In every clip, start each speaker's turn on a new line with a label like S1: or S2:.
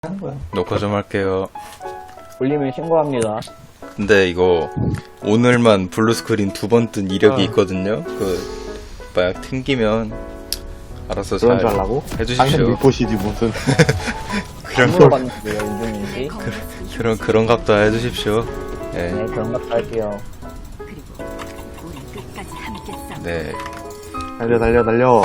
S1: 하는 거야.
S2: 녹화 좀 할게요.
S3: 올리면 신고합니다.
S2: 근데 이거 오늘만 블루 스크린 2번 뜬 이력이 있거든요. 만약 튕기면 알아서
S4: 그런
S2: 잘
S4: 줄 알라고? 당신
S2: 해주십시오.
S4: 밀포시지 무슨.
S3: 안 물어봤는데요, 인증인지.
S2: 그런 값도 해주십시오. 네.
S3: 네, 그런 것도 할게요.
S2: 네.
S4: 달려.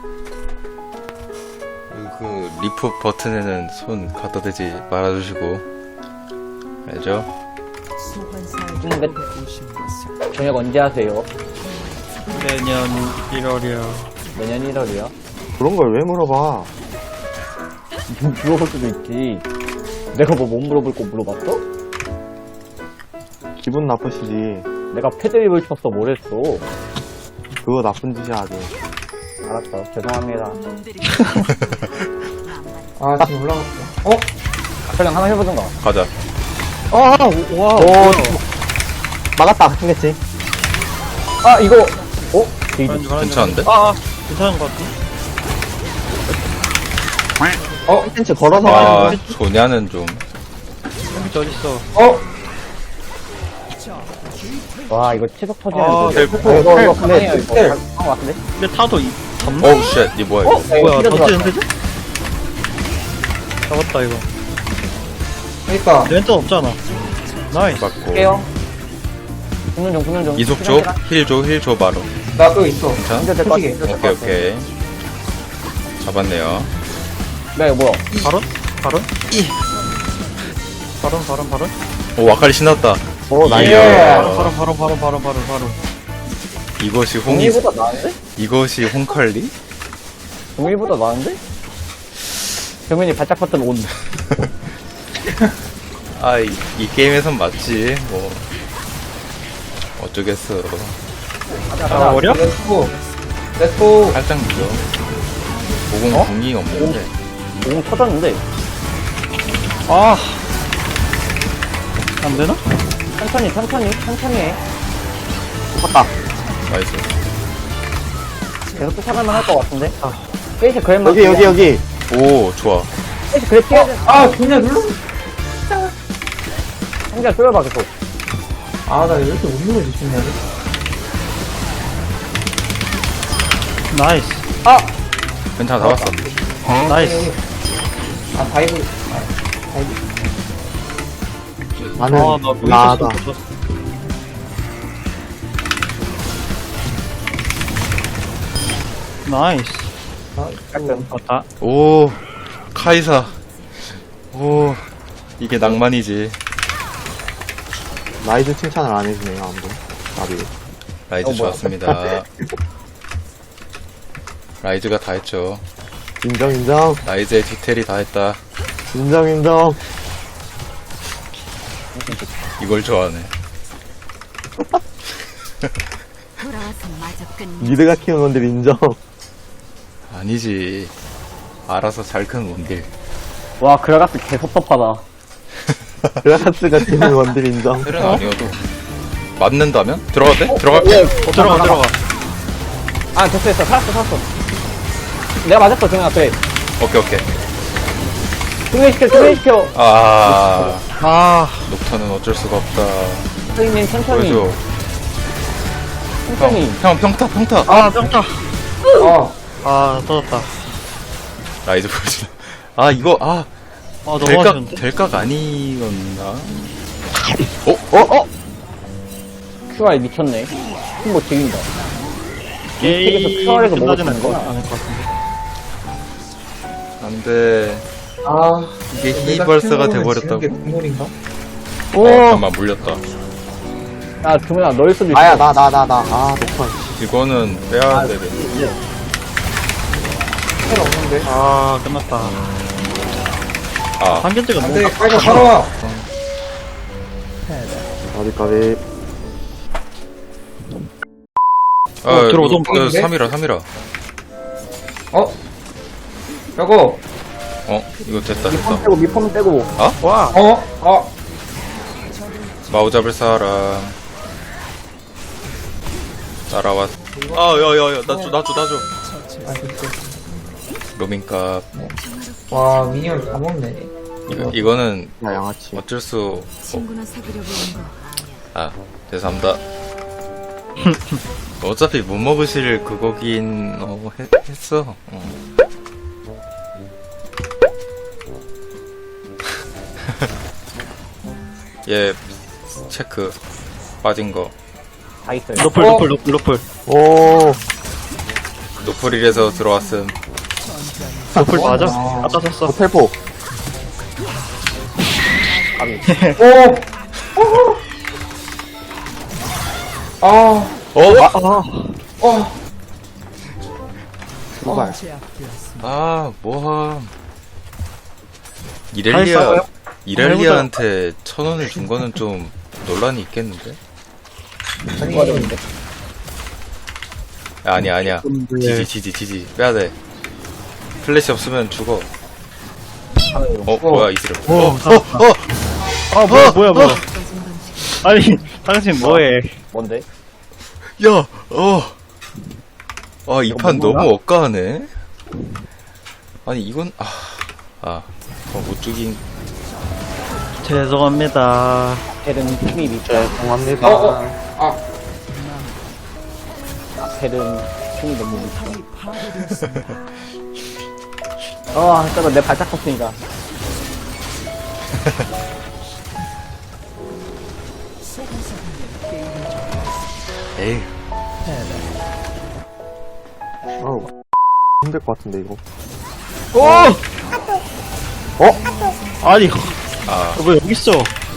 S2: 그 리프 버튼에는 손 갖다 대지 말아주시고. 알죠?
S3: 근데 저녁 언제 하세요?
S1: 내년 1월이요.
S3: 내년 1월이요?
S4: 그런 걸 왜 물어봐?
S3: 물어볼 수도 있지. 내가 뭐 못 물어볼 거 물어봤어?
S4: 기분 나쁘시지.
S3: 내가 패드립을 쳤어, 뭘 했어?
S4: 그거 나쁜 짓이야, 아주.
S3: 알았어, 죄송합니다.
S1: 아, 지금 올라갔어.
S3: 그냥 하나 해보던가.
S2: 가자.
S3: 와. 막았다, 생겼지. 아, 이거,
S2: 괜찮은데?
S1: 괜찮은 것 같아.
S3: 컨텐츠 걸어서
S2: 아,
S3: 하는
S2: 소냐는 좀.
S1: 햄비트 어딨어?
S3: 거. 와, 이거 치석
S1: 아,
S3: 터지는데.
S2: 텔.
S3: 이거 가만히요, 이거. 한거 같은데?
S1: 근데 타도 잡나?
S2: 어우, 쉣. 이 뭐야, 이거.
S1: 뭐야,
S3: 피자
S1: 던지는데? 잡았다, 이거.
S5: 그러니까
S1: 렌트 없잖아. 나이스.
S2: 맞고.
S3: 할게요. 붙는 중.
S2: 이속 줘? 힐 줘, 바로.
S5: 나 또 있어.
S2: 괜찮아?
S3: 될것 같아.
S2: 오케이. 잡았네요.
S3: 네, 이거 뭐야?
S1: 바론? 바론?
S2: 오, 와카리 신났다.
S4: 나이스.
S1: 바론.
S2: 이것이
S3: 동일보다 나은데?
S2: 이것이 홍칼리?
S3: 동일보다 나은데? 정민이 발작 버튼 온.
S2: 아, 이 게임에선 맞지. 뭐. 어쩌겠어.
S1: 아, 어려?
S5: 렛츠고.
S2: 살짝 늦어. 모공 궁이 없는데.
S3: 오, 터졌는데.
S1: 아. 안 되나?
S3: 천천히 해. 죽었다.
S2: 나이스.
S3: 계속 쫓아가면 할 것 같은데? 페이스 그랩만.
S4: 여기.
S2: 오, 좋아.
S3: 페이스 그랩 뛰어야 돼.
S5: 아, 그냥 눌러.
S3: 상자 뚫어봐, 계속.
S5: 아, 나 왜 이렇게 못 누르지, 중요하게.
S1: 나이스.
S2: 괜찮아, 잡았어.
S1: 나이스.
S5: 아, 다이브.
S4: 나는,
S1: 아, 나
S4: 나다.
S1: 보이스 나이스. 맞다.
S2: 오, 카이사. 오, 이게 낭만이지.
S4: 라이즈 칭찬을 안 해주네요, 아무도. 나비.
S2: 라이즈 좋았습니다. 라이즈가 다 했죠.
S4: 인정.
S2: 라이즈의 디테일이 다 했다.
S4: 인정.
S2: 이걸 좋아하네.
S4: 미드가 키운 건들 인정.
S2: 아니지. 알아서 잘 큰 원딜.
S3: 와, 그라가스 개 섭섭하다.
S4: 그라가스가 키운 건들 인정.
S2: 헬은 아니어도. 맞는다면? 들어가도 돼? 들어갈게.
S1: 들어가.
S3: 아, 됐어. 살았어. 내가 맞았어, 정현아, 그래.
S2: 오케이.
S3: 승리시켜.
S2: 녹타는 어쩔 수가 없다.
S3: 선생님, 천천히.
S2: 보여줘.
S3: 천천히.
S2: 형, 평타.
S1: 아, 평타.
S5: 어.
S1: 아, 터졌다.
S2: 라이즈 보여줘. 이거,
S1: 너무
S2: 될각,
S1: 아쉬운데?
S2: 될각 아니었나?
S3: QR 미쳤네. 뭐 죽인다.
S1: 게임이
S3: 책에서 QR에서
S1: 끝나진
S3: 먹어주는 거?
S1: 않을 것 같은데.
S2: 안 돼.
S5: 아,
S2: 이게
S5: 내가
S2: 히벌스가
S5: 키우는
S2: 돼버렸다고.
S5: 지는 게 국물인가?
S2: 잠깐만, 물렸다.
S3: 야, 정현아, 너일 수도 있어.
S4: 나야, 나. 녹화.
S2: 이거는 빼야 되겠네.
S5: 헬 없는데.
S1: 아, 끝났다. 한견제가
S5: 안
S1: 너무
S5: 돼, 빨리 살아와.
S4: 까비.
S1: 들어오던
S2: 이거
S5: 건데?
S2: 3이라.
S5: 어? 저거.
S2: 이거 됐다.
S3: 밑폼 떼고.
S1: 와.
S2: 마우 잡을 사람. 따라왔. 야야야, 나줘.
S5: 아, 진짜.
S2: 로밍값.
S5: 와, 미니언 다 먹네.
S2: 이거는
S4: 야, 양아치.
S2: 어쩔 수
S6: 친구나 사귀려고 온 거.
S2: 아, 죄송합니다. 어차피 못 먹으실 그거긴 했어. 얘 체크 빠진 거
S3: 다 있어요.
S1: 노플,
S5: 어?
S1: 노플, 노플, 노플.
S4: 오,
S2: 노프릴에서 들어왔음.
S1: 노플 맞아?
S5: 아.
S1: 아까 썼어.
S4: 텔포.
S5: 오! 아,
S4: 도발.
S2: 뭐함.
S1: 다 했어요?
S2: 이렐리아한테 1,000원을 준 거는 좀 논란이 있겠는데? 아니야. 지지. 빼야돼. 플래시 없으면 죽어. 뭐야, 이슬.
S1: 아, 뭐야. 아니, 당신 뭐해.
S3: 뭔데?
S2: 야, 이 판 너무 억까하네? 아니, 이건, 못 죽인.
S1: 죄송합니다.
S3: 헬은 힘이 밑에.
S4: 죄송합니다.
S3: 헬은 힘이 너무 밑에. 저거 내 발짝 컸으니까.
S2: 에이,
S4: 어우, 힘들 것 같은데, 이거.
S1: 아니,
S2: 아,
S1: 왜 여기 있어?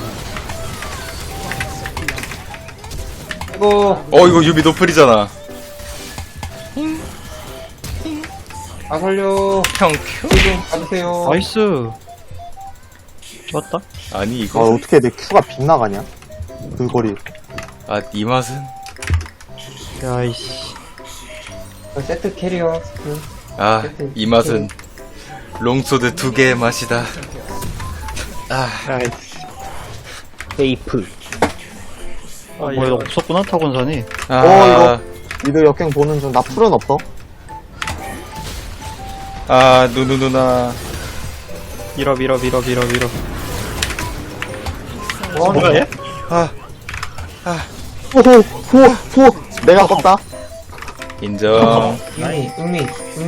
S5: 이거,
S2: 이거 유비 노플이잖아.
S5: 살려.
S2: 형,
S5: 좀 가주세요.
S1: 나이스. 좋았다.
S2: 아니,
S4: 아,
S2: 이거,
S4: 어떻게 내 큐가 빗나가냐? 그 거리.
S2: 이 맛은?
S1: 야이씨.
S5: 세트 캐리어.
S2: 이 맛은 롱소드 2개의 맛이다.
S1: 야이씨.
S3: 베이프.
S1: 뭐야, 없었구나, 타곤산이.
S4: 이거. 미드 역행 보는 중. 나 풀은 없어?
S2: 누나.
S1: 밀어.
S5: 뭐
S1: 뭐야, 얘?
S4: 호! 내가 껐다?
S2: 인정.
S5: 응미.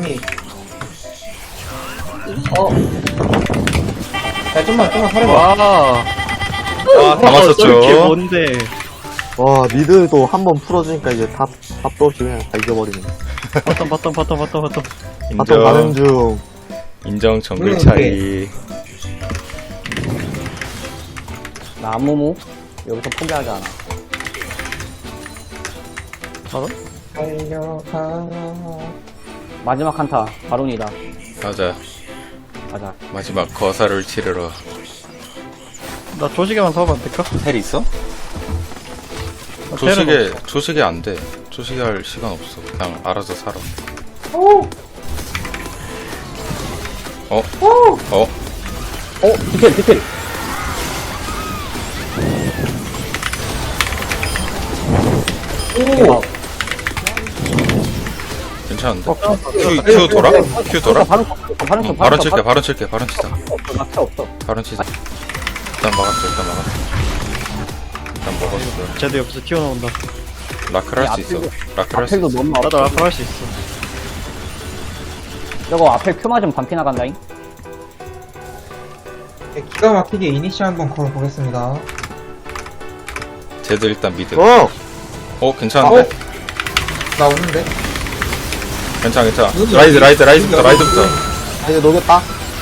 S5: 야, 좀만 살아봐.
S1: 와.
S2: 다
S1: 저게
S2: 맞췄죠.
S1: 뭔데?
S4: 와, 미드도 한 번 풀어주니까 이제 답도 없이 그냥 다 이겨버리네.
S1: 바텀.
S4: 바텀 가는 중.
S2: 인정 정글 차이.
S3: 나 아무무 여기서 포기하지 않아.
S5: 달려가.
S3: 마지막 한타 바론이다.
S2: 맞아. 마지막 거사를 치르러.
S1: 나 조식에만 사오면 안 될까?
S2: 텔 있어? 조식에 안 돼. 조식에 할 시간 없어. 그냥 알아서 살아.
S3: 디테일.
S2: 괜찮은데? 큐 돌아? 큐 돌아? 바론 칠게. 바론 치자.
S3: 없어.
S2: 바론 치자. 일단 막았어. 일단 먹었어.
S1: 쟤도 옆에서 튀어나온다.
S2: 라클 할 수 있어. 라클 할 수
S3: 앞에도
S2: 있어.
S3: 너무
S1: 나도
S3: 아파.
S1: 라플 할 수 있어.
S3: 저거 앞에 큐 맞으면 반피 나간다잉.
S5: 기가 막히게 이니시 한번 걸어보겠습니다.
S2: 쟤도 일단 미드. 괜찮은데?
S5: 나 오는데?
S2: 괜찮아. 라이즈부터.
S4: 이제 녹였다?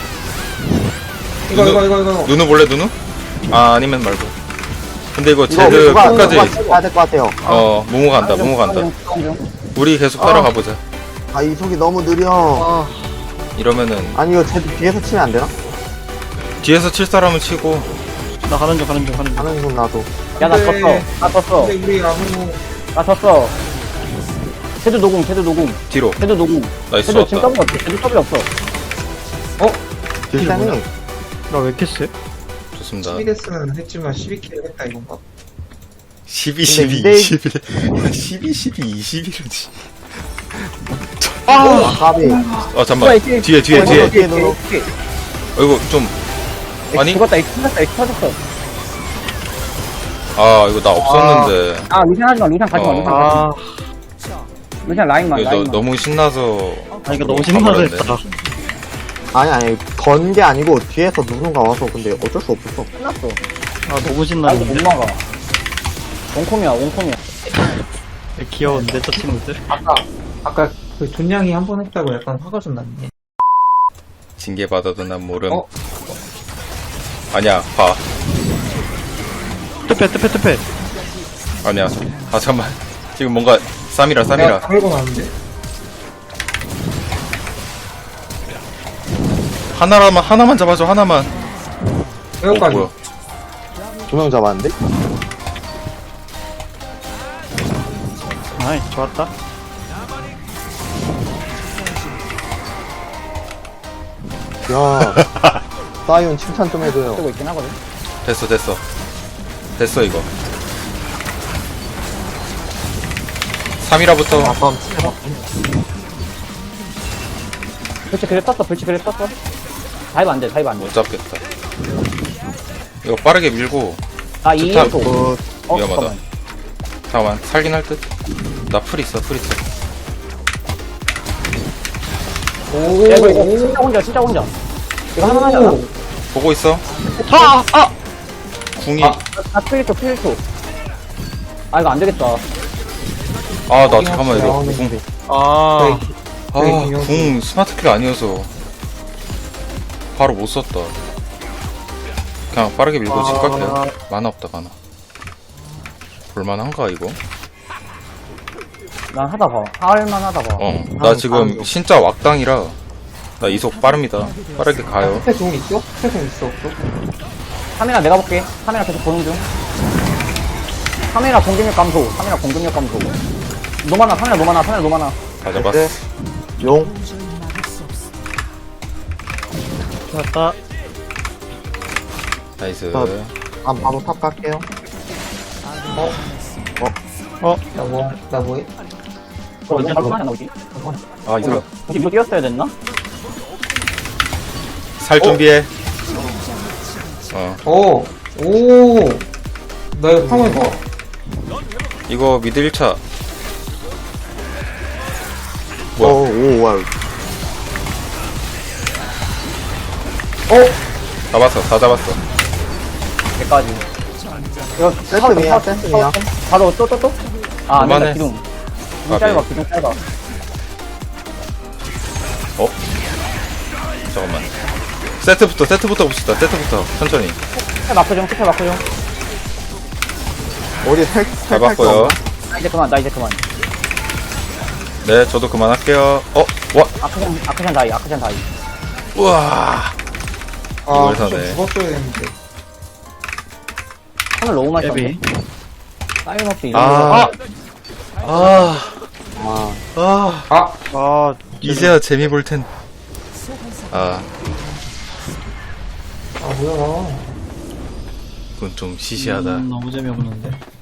S5: 이거.
S2: 누누 볼래, 누누? 아니면 말고. 근데 이거
S4: 이거
S2: 쟤들
S4: 누가
S2: 끝까지,
S4: 가야 될 것 같아요.
S2: 모모 간다. 우리 계속 따라가보자.
S4: 이속이 너무 느려.
S2: 이러면은,
S4: 아니, 이거 쟤 뒤에서 치면 안 되나?
S2: 뒤에서 칠 사람은 치고,
S1: 나 가는 중.
S4: 하는 중 나도.
S3: 야, 나
S5: 근데-
S3: 졌어.
S5: 근데 우리 아무,
S3: 나 졌어. 헤드 노궁.
S2: 뒤로. 나이스,
S3: 헤드 지금
S2: 좋았다.
S3: 더블 없어. 헤드 더블 없어.
S4: 딜템이
S1: 나 왜 이렇게 세?
S2: 좋습니다.
S5: 12데스는 했지만 12킬을 했다 이건가?
S2: 12,
S4: 근데
S2: 21이지.
S4: 까비.
S2: 잠깐만. 뒤에.
S4: 뒤에 누누.
S2: 이거 좀, 아니?
S3: 죽었다, X 터졌다, X 터졌어.
S2: 아, 이거 나 없었는데.
S3: 아, 루시안 하지 마, 루시안 가지 마,
S2: 어.
S3: 루시안 가지 마.
S1: 아,
S3: 루시안 라인만,
S2: 이거
S3: 라인만.
S2: 너무 신나서.
S1: 아 이거 너무 신나서
S2: 가버렸네.
S1: 했다.
S4: 아니, 건 게 아니고 뒤에서 누군가 와서 근데 어쩔 수 없었어.
S3: 끝났어.
S1: 아 너무
S3: 아, 이거 못
S1: 신나는데.
S3: 막아. 원콤이야, 원콤이야.
S1: 귀여운데 저 친구들.
S5: 아까 그 존냥이 한 번 했다고 약간 화가 좀 났네.
S2: 징계 받아도 난 모름.
S5: 어?
S2: 아니야, 봐.
S1: 투패.
S2: 아니야. 아, 잠깐만. 지금 뭔가, 쌈이라.
S5: 내가 걸고 나는데.
S2: 하나만 잡아줘, 하나만.
S5: 여기까지.
S2: 뭐야.
S4: 2명 잡았는데?
S1: 아이 좋았다.
S4: 야, 사이온 칭찬 좀 해줘요.
S3: 쓰고 있긴 하거든.
S2: 됐어, 이거. 3이라부터.
S4: 아빠
S3: 불치 그래 떴어, 불치 그래 떴어. 다이브 안 돼, 다이브 안 돼.
S2: 못 잡겠다. 이거 빠르게 밀고.
S3: 아, 이
S2: 좋다.
S3: 또.
S2: 위험하다. 잠깐만, 살긴 할 듯. 나 풀 있어.
S5: 오,
S3: 야, 이거 진짜 혼자. 이거 하나 하잖아.
S2: 보고 있어. 궁이.
S3: 아, 필초. 아, 이거 안 되겠다.
S2: 아, 나 잠깐만, 이거.
S5: 나오네.
S2: 궁.
S1: 아
S2: 궁 스마트키가 아니어서. 바로 못 썼다. 그냥 빠르게 밀고 집 갈게요. 만화 없다, 만화. 볼만한가, 이거?
S3: 난 하다 봐. 할만 하다 봐.
S2: 나 지금 진짜 왁당이라. 나 이속 빠릅니다. 빠르게 가요.
S5: 스페 종 있어? 스페 종 있어, 없어?
S3: 카메라 내가 볼게. 카메라 계속 보는 중. 카메라 공격력 감소. 노마나, 카메라 노마나.
S2: 다 잡았어.
S4: 네. 용.
S1: 좋았다.
S2: 나이스.
S4: 바로 탑 갈게요.
S5: 나 뭐해?
S3: 언제 카메라 나오지?
S2: 아, 이거.
S3: 혹시 이거 뛰었어야 됐나?
S2: 살 준비해.
S5: 오! 나 이거 화면 봐.
S2: 이거 미드 1차.
S4: 오, 와.
S2: 다 잡았어.
S3: 여기까지. 이거
S4: 세트미야, 세트미야.
S3: 바로 또? 아, 안 된다,
S2: 그만해.
S3: 기둥.
S2: 까비.
S3: 기둥 짧아.
S2: 잠깐만. 세트부터 봅시다. 천천히.
S3: 스페 마크 좀.
S4: 어디 탈
S2: 잡았고요.
S3: 나 이제 그만.
S2: 네, 저도 그만할게요. 와.
S3: 아크샨 다이.
S2: 우와.
S5: 아,
S2: 이걸
S5: 좀
S2: 사네.
S5: 죽었어야 했는데.
S3: 하늘 너무 많이 썼네.
S1: 예비.
S3: 사이언 없이 이런 거.
S1: 아
S2: 이제야 재미 볼 텐.
S5: 뭐야.
S2: 그건 좀 시시하다.
S1: 너무 재미없는데.